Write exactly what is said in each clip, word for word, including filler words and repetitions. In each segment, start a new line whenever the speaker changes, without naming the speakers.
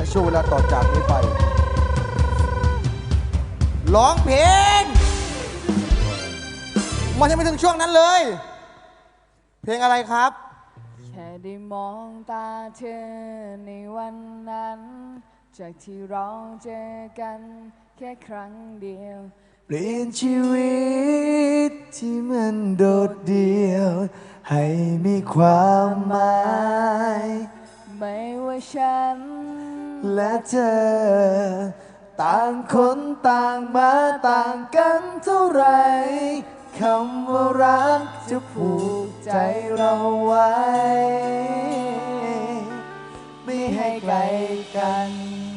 จากช่วงเวลาต่อจากนี้ไปร้องเพลงมันยังไม่ถึงช่วงนั้นเลยเพลงอะไรครับ
แค่ได้มองตาเธอในวันนั้นจากที่เราเจอกันแค่ครั้งเดียว
เปลี่ยนชีวิตที่มันโดดเดี่ยวให้มีความหมาย
ไม่ว่าฉัน
และเธอต่างคนต่างมาต่างกันเท่าไรคำว่ารักจะผูกใจเราไว้ไม่ให้ไกลกัน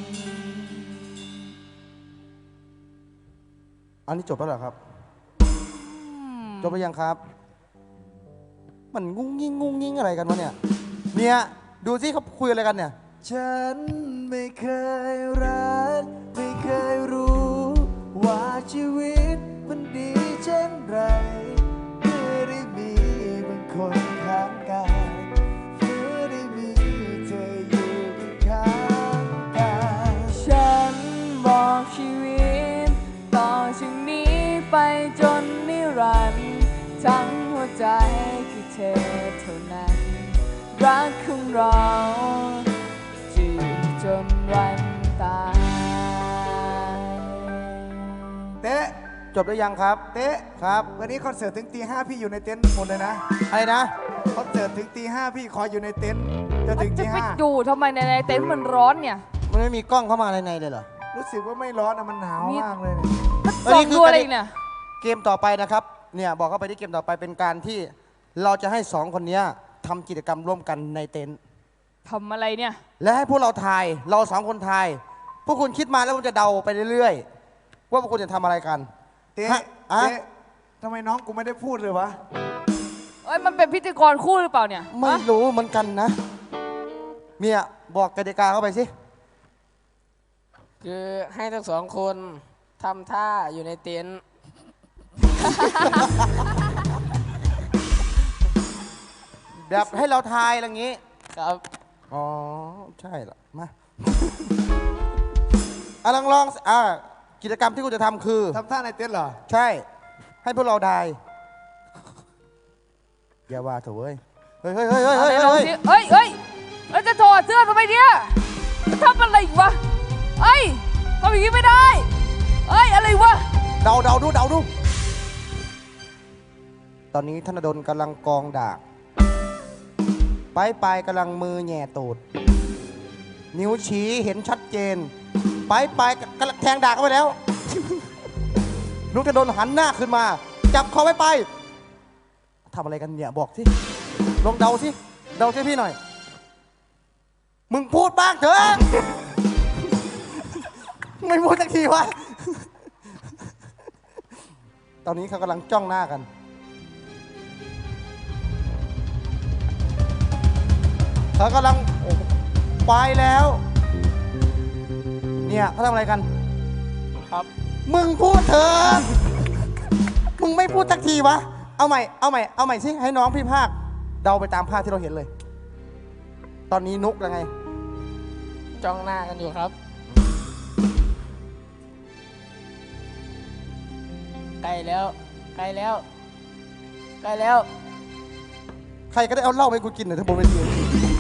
อันนี้จบแล้วเหรอครับจบไปยังครับมันงุ้งงิ้งงุ้งงิ้งอะไรกันวะเนี่ยเนี่ยดูสิเขาคุยอะไรกันเนี่ย
ฉันไม่เคยรักไม่เคยรู้ว่าชีวิตมันดีเช่นไรเมื่อได้มีบางคนข้างกายเมื่อได้มีเธออยู่ข้างกาย
ฉันบอกชีวิตต่อจากนี้ไปจนนิรันดร์ทั้งหัวใจคือเธอเท่านั้นรักของเราจะอยู่จนวันตาย
เต๊ะ
จบได้ยังครับ
เต๊ะ
ครับ
วันนี้คอนเสิร์ตถึงตีห้าพี่อยู่ในเต็นท์หมดเลยนะ
อะไรนะ
คอนเสิร์ตถึงตีห้าพี่ขออยู่ในเต็นท์จะถึงตีห้า
จะไปอยู่ทำไมในเต็นท์มันร้อนเนี่ย
มันไม่มีกล้องเข้ามาในในเลยเหรอ
รู้สึกว่าไม่ร้อนนะมันหนาวมากเลย
ส่องดูอะไรเนี่ย
เกมต่อไปนะครับเนี่ยบอกเข้าไปที่เกมต่อไปเป็นการที่เราจะให้สองคนนี้ทำกิจกรรมร่วมกันในเต็นท์
ทำอะไรเนี่ย
และให้พวกเราทายเราสองคนทายพวกคุณคิดมาแล้วคุณจะเดาไปเรื่อยๆว่าพวกคุณจะทำอะไรกัน
เต๊ะเต๊ะทำไมน้องกูไม่ได้พูดเลยวะ
เอ้ยมันเป็นพิธีกรคู่หรือเปล่าเนี่ย
ไม่รู้เหมือนกันนะเมียบอกกติกาเข้าไปสิ
คือให้ทั้งสองคนทำท่าอยู่ในเต็นท์
แบบให้เราทายอะไรอย่างนี้
ครับ
อ๋อใช่เหรอมาอ่ะลองลองอ่ะกิจกรรมที่คุณจะทำคือ
ทำท่าในเต็นท์เหรอ
ใช่ให้พวกเราทายอย่าว่าเถอะเว้ยเฮ้ยเฮ้ยเฮ้ยเฮ้ยเฮ้ย
เฮ้ยเฮ้ยเฮ้ยแล้วจะถอดเสื้อทำไมเนี่ยทำอะไรวะเฮ้ยทำอย่างนี้ไม่ได้เฮ้ยอะไรวะ
เดาเดาดูเดาดูตอนนี้ธนดลกำลังกองดาบปลายปลายกำลังมือแหย่ตูดนิ้วชี้เห็นชัดเจนปลายปลายกำลังแทงดาบเข้าไปแล้วลูกธนดลหันหน้าขึ้นมาจับคอไว้ไปทำอะไรกันเนี่ยบอกสิลองเดาสิเดาช่วยพี่หน่อยมึงพูดบ้างเถอะไม่พูดสักทีวะตอนนี้เขากำลังจ้องหน้ากันเขากำลังไปแล้วเนี่ยเขาทำอะไรกัน
ครับ
มึงพูดเถอะมึงไม่พูดสักทีวะเอาใหม่เอาใหม่เอาใหม่สิให้น้องพี่ภาคเดาไปตามภาพที่เราเห็นเลยตอนนี้นุกยังไง
จ้องหน้ากันอยู่ครับใกล้แล้วใกล้แล้วใกล้แล้ว
ใครก็ได้เอาเหล้าไปกูกินหน่อยทั้งบนเวที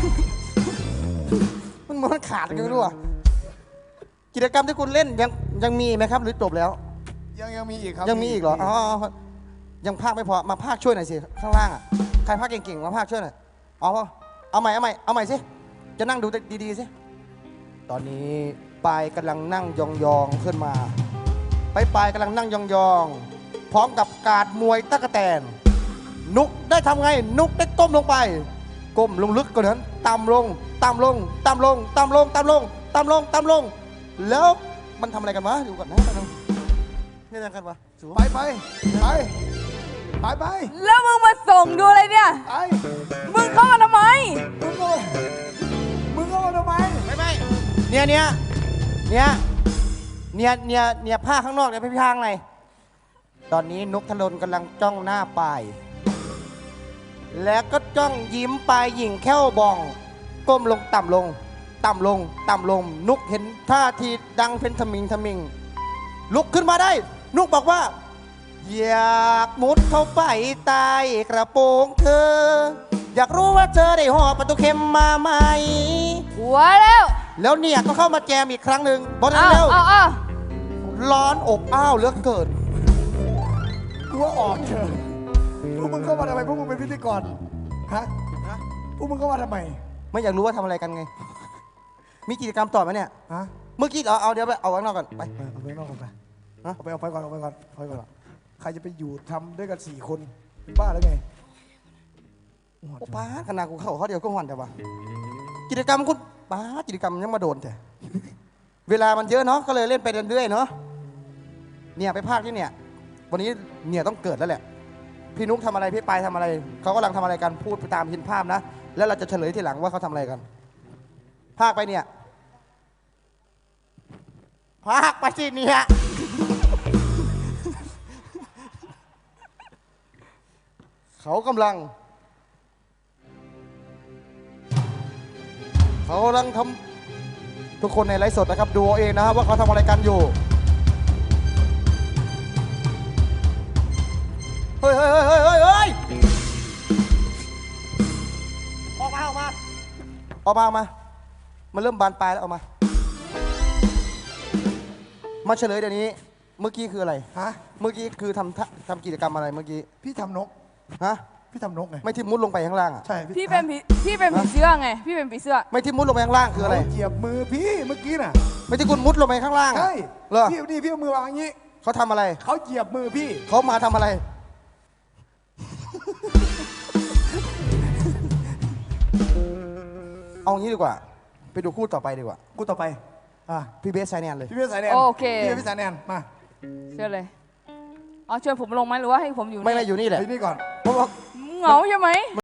มันมันขาดกันไม่รู้อ่ะกิจกรรมที่คุณเล่นยังยังมีไหมครับหรือจบแล้ว
ยังยังมีอีกครับ
ยังมีอีกเหรออ๋อยังภาคไม่พอมาภาคช่วยหน่อยสิข้างล่างอ่ะใครภาคเก่งๆมาภาคช่วยหน่อยเอาเอาใหม่เอาใหม่เอาใหม่สิจะนั่งดูดีๆสิตอนนี้ปายกำลังนั่งยองๆขึ้นมาไปปายกำลังนั่งยองๆพร้อมกับการมวยตะกแตนนุกได้ทำไงนุกได้ก้มลงไปก้มลงลึกกว่านั้นต่ำลงต่ำลงต่ำลงต่ำลงต่ำลงต่ำลงต่ำลงแล้วมันทำอะไรกันวะอยู่ก่อนนะนี่ยังกันวะ
ไปไปไปไปไป
แล้วมึงมาส่งดูอะไรเนี่ย
ไป
มึงเข้ามาทำไม
มึงก็มึงเข้ามาทำไม
ไม่ไม่เนี่ยเนี่ยเนี่ยเนี่ยเนี่ยเนี่ยผ้าข้างนอกเนี่ยพี่ผ้าข้างในตอนนี้นุกธนดลกำลังจ้องหน้าปายแล้วก็จ้องยิ้มปลายหญิงแค่วบองก้มลงต่ำลงต่ำลงต่ำลง นุกเห็นท่าทีดังเป็นทมิงทมิงลุกขึ้นมาได้ นุกบอกว่า อยากมุดเข้าไปใต้กระโปรงเธอ อยากรู้ว่าเธอได้ห่อประตูเข็มมาไหม
หัวแล้ว
แล้วเนี่ยก็เข้ามาแจมอีกครั้งหนึ่งบอกนั้น
เอา
เร็ว
เอาเอา
ร้อนอบอ้าวเหลือเกิน
กูว่าออกเถอะพวกมึงเข้ามาทำไมพวกมึงเป็นพิธีกรฮะพวกมึงเข้ามาทำไม
ไม่อยากรู้ว่าทำอะไรกันไง มีกิจกรรมต่อไหมเนี่ย
ฮะ
เมื่อกี้เอาเอาเดี๋ยวไปเอาข้างนอกก่อนไป
ไปเอาไปนอกก่อนไป
ฮะ
เอาไปเอาไปก่อนเอาไปก่อนเอาไปก่อนใครจะไปอยู่ทำด้วยกันสี่คนเป็นบ้าแล้วไง
โอ้ป้าขนาดกูเข้าเขาเดียวก็หวันแต่ว่ากิจกรรมคุณป้ากิจกรรมยังมาโดนแต่ เวลามันเยอะเนาะก็เลยเล่นไปเรื่อยๆเนาะเนี่ยไปภาคที่เนี่ย วันนี้เนี่ยต้องเกิดแล้วแหละ พี่นุ๊กทำอะไรพี่ปายทำอะไรเขากำลังทำอะไรกันพูดไปตามหินภาพนะแล้วเราจะเฉลยทีหลังว่าเขาทำอะไรกัน ภาคไปเนี่ยภาคไปสิเนี่ย เขากำลัง เขากำลังทำทุกคนในไลฟ์สดนะครับดูเอาเองนะครับว่าเขาทำอะไรกันอยู่ เฮ้ยเฮ้ยเฮ้ยเฮ้ยเฮ้ยเฮ้ยออกมาออกมาออกมาออกมา มันเริ่มบานปลายแล้วออกมา มาเฉลยเดี๋ยวนี้ เมื่อกี้คืออะไร
ฮะ
เมื่อกี้คือทำท่าทำกิจกรรมอะไรเมื่อกี้
พี่ทำนก
ฮะ
พี่ทำนกไง
ไม่ทิ่มมุดลงไปข้างล่างอ่ะ
ใช่
พี่เป็นผีพี่เป็นผีเสื้อไง พี่เป็นผีเสื้อ
ไม่ทิ่มมุดลงไปข้างล่างคืออะไร
เขาเหยียบมือพี่เมื่อกี้น่ะ
ไม่ที่คุณมุดลงไปข้างล่างอะ
ใช่
เหรอ
พี่นี่พี่เอามือวางอย่างนี้
เขาทำอะไร
เขาเหยียบมือพี่
เขามาทำอะไร เอางี้ดีกว่า ไปดูคู่ต่อไปดีกว่า
กูต่อไปอ่ะ
พี่เบสไซแนนเลย
พี่เบสสายแนน
โอเค
พี่เบสสายแนนมา
เชื่อเลยเอาเชิญผมลงไหมหรือว่าให้ผมอยู่
ไม่ไม่อยู่นี่แหละ
ไอ้นี่ก่อน
เพราะว่า
เหงาใช่ไหม